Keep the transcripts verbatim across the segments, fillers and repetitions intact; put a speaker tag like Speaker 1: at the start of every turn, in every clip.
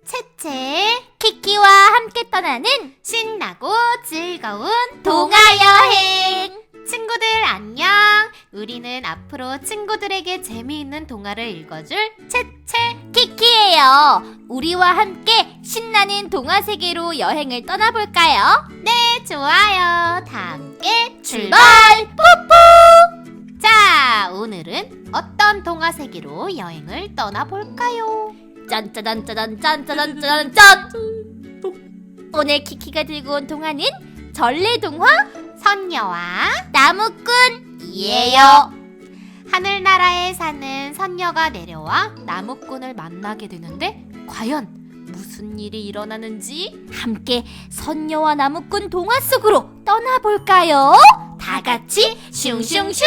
Speaker 1: 채채, 키키와 함께 떠나는 신나고 즐거운 동화여행! 친구들 안녕! 우리는 앞으로 친구들에게 재미있는 동화를 읽어줄 채채, 키키예요. 우리와 함께 신나는 동화 세계로 여행을 떠나볼까요? 네, 좋아요. 다 함께 출발! 뽀뽀! 자, 오늘은 어떤 동화 세계로 여행을 떠나볼까요? 짠짜잔짜잔 짠짜잔짜잔 오늘 키키가 들고 온 동화는 전래동화 선녀와 나무꾼이에요. 하늘나라에 사는 선녀가 내려와 나무꾼을 만나게 되는데 과연 무슨 일이 일어나는지 함께 선녀와 나무꾼 동화 속으로 떠나볼까요? 다 같이 슝슝슝!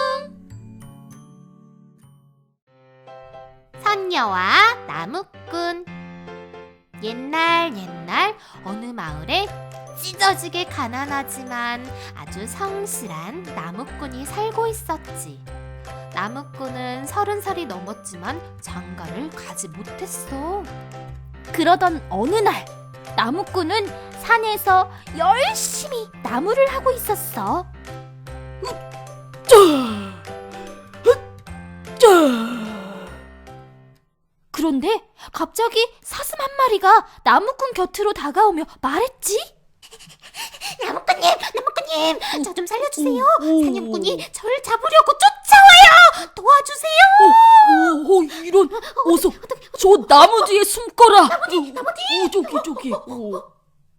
Speaker 1: 선녀와 나무꾼. 옛날 옛날 어느 마을에 찢어지게 가난하지만 아주 성실한 나무꾼이 살고 있었지. 나무꾼은 서른 살이 넘었지만 장가를 가지 못했어. 그러던 어느 날 나무꾼은 산에서 열심히 나무를 하고 있었어. 그런데 갑자기 사슴 한 마리가 나무꾼 곁으로 다가오며 말했지. 나무꾼님, 나무꾼님, 저 좀 살려주세요. 사냥꾼이 저를 잡으려고 쫓아와요. 도와주세요.
Speaker 2: 어, 어, 이런, 어서 저 나무 뒤에 숨거라.
Speaker 1: 나무 뒤, 나무 뒤.
Speaker 2: 어, 저기, 저기. 어.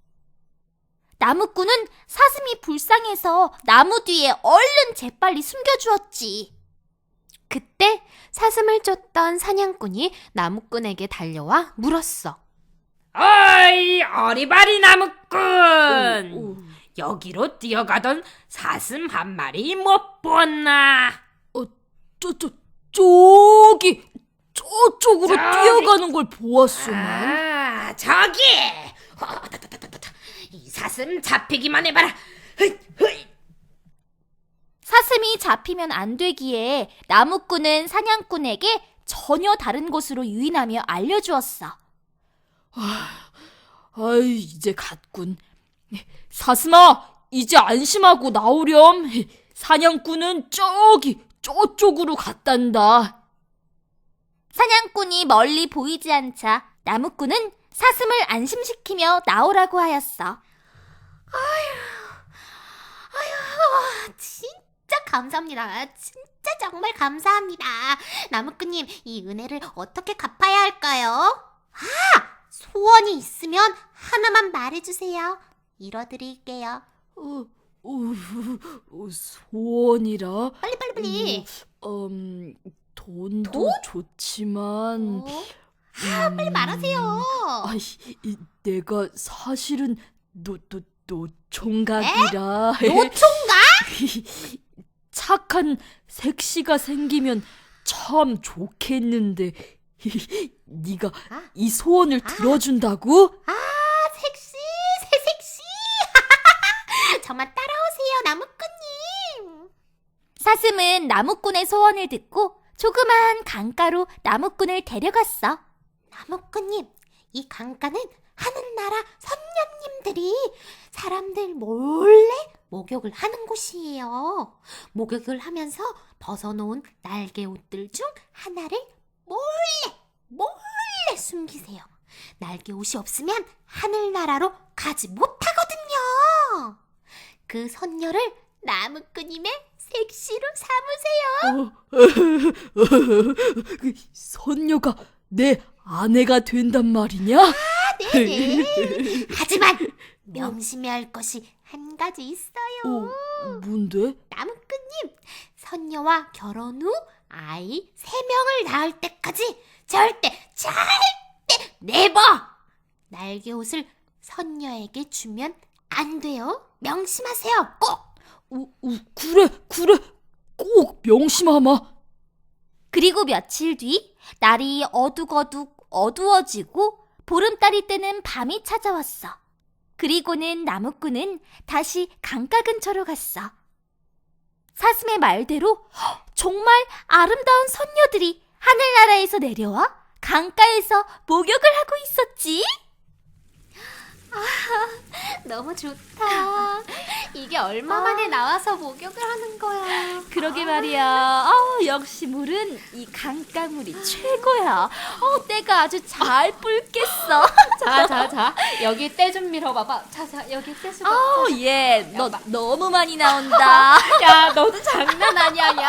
Speaker 1: 나무꾼은 사슴이 불쌍해서 나무 뒤에 얼른 재빨리 숨겨주었지. 그때 사슴을 쫓던 사냥꾼이 나무꾼에게 달려와 물었어.
Speaker 3: 어이, 어리바리 나무꾼!
Speaker 2: 오, 오.
Speaker 3: 여기로 뛰어가던 사슴 한 마리 못 보았나?
Speaker 2: 어, 저, 저, 저기, 저쪽으로
Speaker 3: 저기.
Speaker 2: 뛰어가는 걸 보았소만.
Speaker 3: 아, 저기! 허다다다다다. 이 사슴 잡히기만 해봐라. 흐이, 흐이.
Speaker 1: 사슴이 잡히면 안 되기에 나무꾼은 사냥꾼에게 전혀 다른 곳으로 유인하며 알려주었어.
Speaker 2: 아이, 이제 갔군. 사슴아, 이제 안심하고 나오렴. 사냥꾼은 저기, 저쪽으로 갔단다.
Speaker 1: 사냥꾼이 멀리 보이지 않자 나무꾼은 사슴을 안심시키며 나오라고 하였어. 아휴, 아휴, 진짜 감사합니다. 진짜 정말 감사합니다. 나무꾼님, 이 은혜를 어떻게 갚아야 할까요? 아! 소원이 있으면 하나만 말해주세요. 이뤄드릴게요.
Speaker 2: 어, 어, 어, 소원이라.
Speaker 1: 빨리 빨리 빨리.
Speaker 2: 음, 돈도
Speaker 1: 돈?
Speaker 2: 좋지만.
Speaker 1: 어? 아, 빨리 말하세요.
Speaker 2: 아이, 이, 내가 사실은 노, 노, 노총각이라.
Speaker 1: 노총각?
Speaker 2: 착한 색시가 생기면 참 좋겠는데. 네가
Speaker 1: 아.
Speaker 2: 이 소원을
Speaker 1: 아.
Speaker 2: 들어준다고?
Speaker 1: 아, 섹시, 새색시. 저만 따라오세요, 나무꾼님. 사슴은 나무꾼의 소원을 듣고 조그만 강가로 나무꾼을 데려갔어. 나무꾼님, 이 강가는 하늘나라 선녀님들이 사람들 몰래 목욕을 하는 곳이에요. 목욕을 하면서 벗어놓은 날개 옷들 중 하나를 몰래 몰래 숨기세요. 날개 옷이 없으면 하늘나라로 가지 못하거든요. 그 선녀를 나무꾼님의 색시로 삼으세요.
Speaker 2: 어, 그 선녀가 내 아내가 된단 말이냐?
Speaker 1: 아, 네네. 하지만 명심해야 할 것이 한 가지 있어요.
Speaker 2: 어, 뭔데?
Speaker 1: 나무꾼님, 선녀와 결혼 후 아이 세 명을 낳을 때까지 절대 절대 네버 날개 옷을 선녀에게 주면 안 돼요. 명심하세요. 꼭.
Speaker 2: 어, 어, 그래, 그래. 꼭 명심하마.
Speaker 1: 그리고 며칠 뒤 날이 어둑어둑 어두워지고 보름달이 뜨는 밤이 찾아왔어. 그리고는 나무꾼은 다시 강가 근처로 갔어. 사슴의 말대로 정말 아름다운 선녀들이 하늘나라에서 내려와 강가에서 목욕을 하고 있었지.
Speaker 4: 너무 좋다. 이게 얼마 만에 나와서 목욕을 하는 거야.
Speaker 1: 그러게 말이야. 어, 역시 물은 이 강가물이 최고야. 어, 때가 아주 잘 불겠어.
Speaker 4: 자, 자, 자. 여기 때 좀 밀어봐봐. 자, 자, 여기 때 좀.
Speaker 1: 어, 예, 너 너무 많이 나온다.
Speaker 4: 야, 너도 장난 아니야, 야.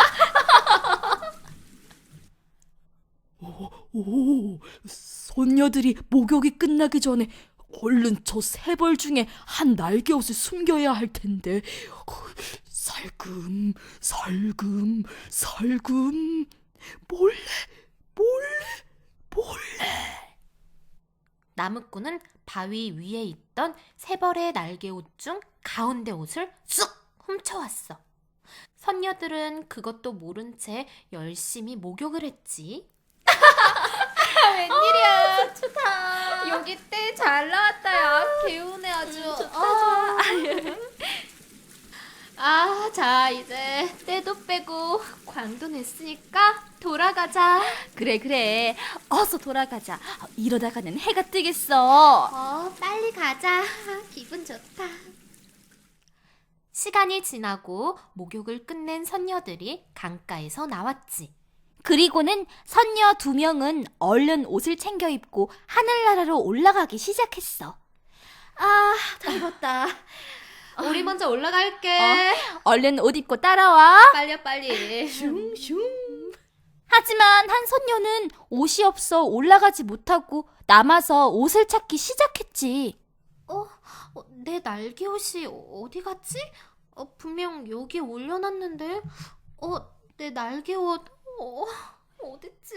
Speaker 2: 오, 손녀들이 목욕이 끝나기 전에 얼른 저 세 벌 중에 한 날개 옷을 숨겨야 할 텐데. 어, 살금, 살금, 살금. 몰래, 몰래, 몰래.
Speaker 4: 나무꾼은 바위 위에 있던 세 벌의 날개 옷 중 가운데 옷을 쑥 훔쳐왔어. 선녀들은 그것도 모른 채 열심히 목욕을 했지. 웬일이야. 좋다. 여기 때 잘 나왔다, 야. 개운해 아주. 좋다, 좋아. 아, 자, 이제 때도 빼고 광도 냈으니까 돌아가자.
Speaker 1: 그래, 그래. 어서 돌아가자. 어, 이러다가는 해가 뜨겠어.
Speaker 4: 어, 빨리 가자. 기분 좋다. 시간이 지나고 목욕을 끝낸 선녀들이 강가에서 나왔지.
Speaker 1: 그리고는 선녀 두 명은 얼른 옷을 챙겨 입고 하늘나라로 올라가기 시작했어.
Speaker 4: 아, 다 익었다. 우리 먼저 올라갈게.
Speaker 1: 얼른 옷 입고 따라와.
Speaker 4: 빨리 빨리.
Speaker 1: 하지만 한 선녀는 옷이 없어 올라가지 못하고 남아서 옷을 찾기 시작했지.
Speaker 4: 어, 어, 내 날개 옷이 어디 갔지? 어, 분명 여기에 올려놨는데. 어, 내 날개 옷 어, 어딨지?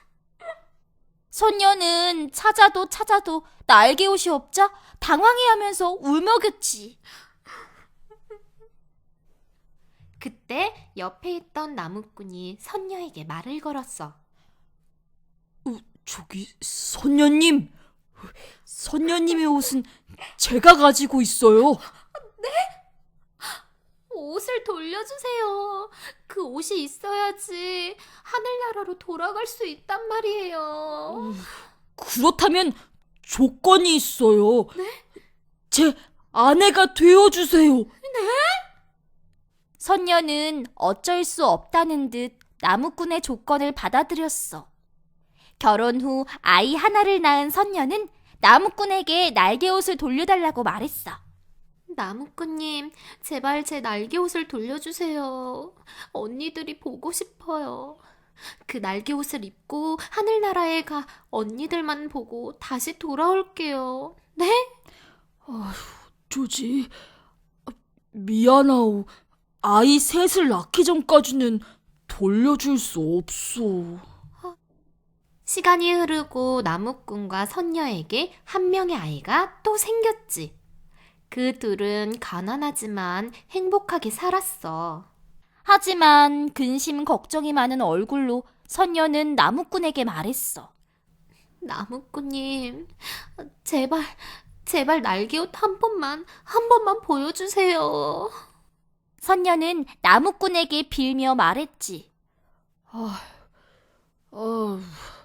Speaker 1: 선녀는 찾아도 찾아도 날개 옷이 없자 당황해하면서 울먹였지.
Speaker 4: 그때 옆에 있던 나무꾼이 선녀에게 말을 걸었어.
Speaker 2: 어, 저기 손녀님, 손녀님의 옷은 제가 가지고 있어요.
Speaker 4: 옷을 돌려주세요. 그 옷이 있어야지 하늘나라로 돌아갈 수 있단 말이에요.
Speaker 2: 그렇다면 조건이 있어요. 제 아내가 되어주세요.
Speaker 1: 선녀는 어쩔 수 없다는 듯 나무꾼의 조건을 받아들였어. 결혼 후 아이 하나를 낳은 선녀는 나무꾼에게 날개옷을 돌려달라고 말했어.
Speaker 4: 나무꾼님, 제발 제 날개 옷을 돌려주세요. 언니들이 보고 싶어요. 그 날개 옷을 입고 하늘나라에 가 언니들만 보고 다시 돌아올게요. 네?
Speaker 2: 조지, 미안하오. 아이 셋을 낳기 전까지는 돌려줄 수 없소.
Speaker 4: 시간이 흐르고 나무꾼과 선녀에게 한 명의 아이가 또 생겼지. 그 둘은 가난하지만 행복하게 살았어.
Speaker 1: 하지만 근심 걱정이 많은 얼굴로 선녀는 나무꾼에게 말했어.
Speaker 4: 나무꾼님, 제발, 제발 날개옷 한 번만, 한 번만 보여주세요.
Speaker 1: 선녀는 나무꾼에게 빌며 말했지.
Speaker 2: 어,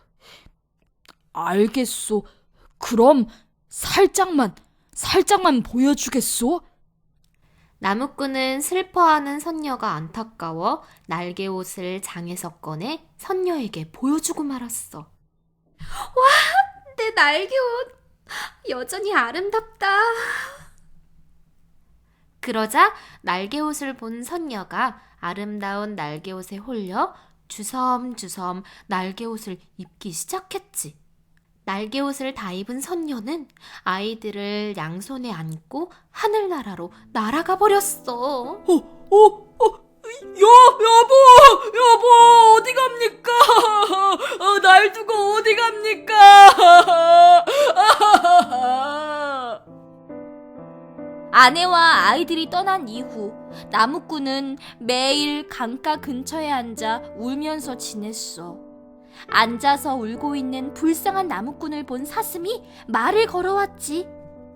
Speaker 2: 알겠소. 그럼 살짝만, 살짝만 보여주겠소?
Speaker 4: 나무꾼은 슬퍼하는 선녀가 안타까워 날개옷을 장에서 꺼내 선녀에게 보여주고 말았어. 와, 내 날개옷 여전히 아름답다. 그러자 날개옷을 본 선녀가 아름다운 날개옷에 홀려 주섬주섬 날개옷을 입기 시작했지. 날개옷을 다 입은 선녀는 아이들을 양손에 안고 하늘나라로 날아가 버렸어.
Speaker 2: 어, 어, 어, 여, 여보, 여보, 어디 갑니까? 어, 날 두고 어디 갑니까?
Speaker 1: 아내와 아이들이 떠난 이후 나무꾼은 매일 강가 근처에 앉아 울면서 지냈어. 앉아서 울고 있는 불쌍한 나무꾼을 본 사슴이 말을 걸어왔지.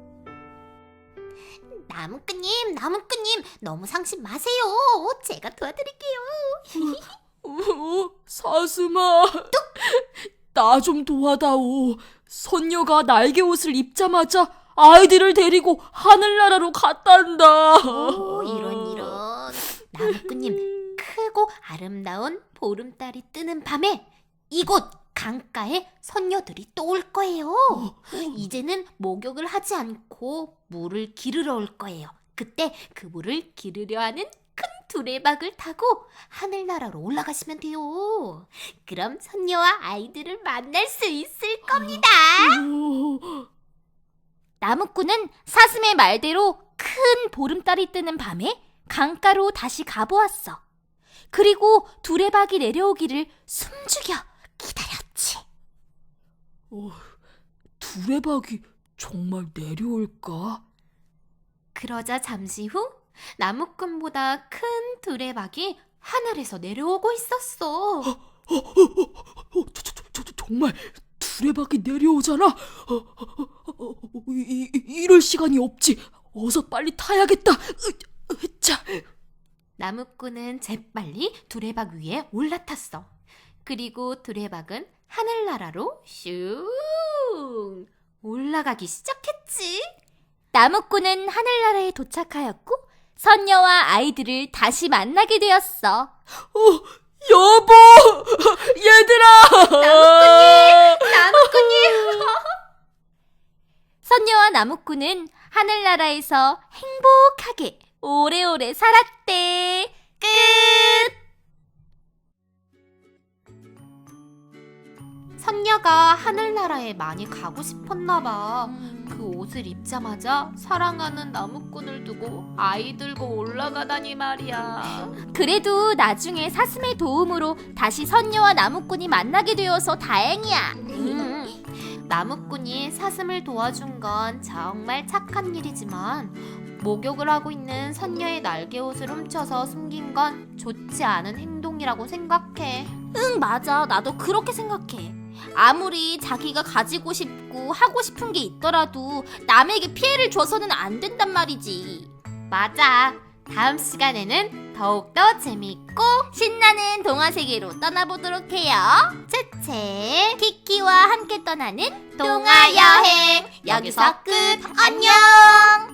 Speaker 4: 나무꾼님, 나무꾼님, 너무 상심 마세요. 제가 도와드릴게요.
Speaker 2: 어, 사슴아, 나 좀 도와다오. 선녀가 날개 옷을 입자마자 아이들을 데리고 하늘나라로 갔단다.
Speaker 4: 오, 이런 이런. 나무꾼님, 크고 아름다운 보름달이 뜨는 밤에 이곳 강가에 선녀들이 또 올 거예요. 이제는 목욕을 하지 않고 물을 기르러 올 거예요. 그때 그 물을 기르려 하는 큰 두레박을 타고 하늘나라로 올라가시면 돼요. 그럼 선녀와 아이들을 만날 수 있을 겁니다.
Speaker 2: 오,
Speaker 1: 나무꾼은 사슴의 말대로 큰 보름달이 뜨는 밤에 강가로 다시 가보았어. 그리고 두레박이 내려오기를 숨죽여 기다렸지.
Speaker 2: 어, 두레박이 정말 내려올까?
Speaker 4: 그러자 잠시 후 나무꾼보다 큰 두레박이 하늘에서 내려오고 있었어.
Speaker 2: 어, 저, 저, 저, 저, 정말 두레박이 내려오잖아. 어, 어, 어, 어, 이, 이, 이럴 시간이 없지. 어서 빨리 타야겠다. 으, 으, 자.
Speaker 4: 나무꾼은 재빨리 두레박 위에 올라탔어. 그리고 두레박은 하늘나라로 슝 올라가기 시작했지.
Speaker 1: 나무꾼은 하늘나라에 도착하였고 선녀와 아이들을 다시 만나게 되었어.
Speaker 2: 어, 여보! 얘들아!
Speaker 4: 나무꾼님! 나무꾼님!
Speaker 1: 선녀와 나무꾼은 하늘나라에서 행복하게 오래오래 살았대. 끝!
Speaker 4: 선녀가 하늘나라에 많이 가고 싶었나 봐. 그 옷을 입자마자 사랑하는 나무꾼을 두고 아이 들고 올라가다니 말이야.
Speaker 1: 그래도 나중에 사슴의 도움으로 다시 선녀와 나무꾼이 만나게 되어서 다행이야.
Speaker 4: 음, 나무꾼이 사슴을 도와준 건 정말 착한 일이지만 목욕을 하고 있는 선녀의 날개옷을 훔쳐서 숨긴 건 좋지 않은 행동이라고 생각해.
Speaker 1: 응, 맞아. 나도 그렇게 생각해. 아무리 자기가 가지고 싶고 하고 싶은 게 있더라도 남에게 피해를 줘서는 안 된단 말이지.
Speaker 4: 맞아. 다음 시간에는 더욱더 재미있고
Speaker 1: 신나는 동화 세계로 떠나보도록 해요.
Speaker 4: 채채
Speaker 1: 키키와 함께 떠나는
Speaker 4: 동화 여행
Speaker 1: 여기서 끝. 안녕.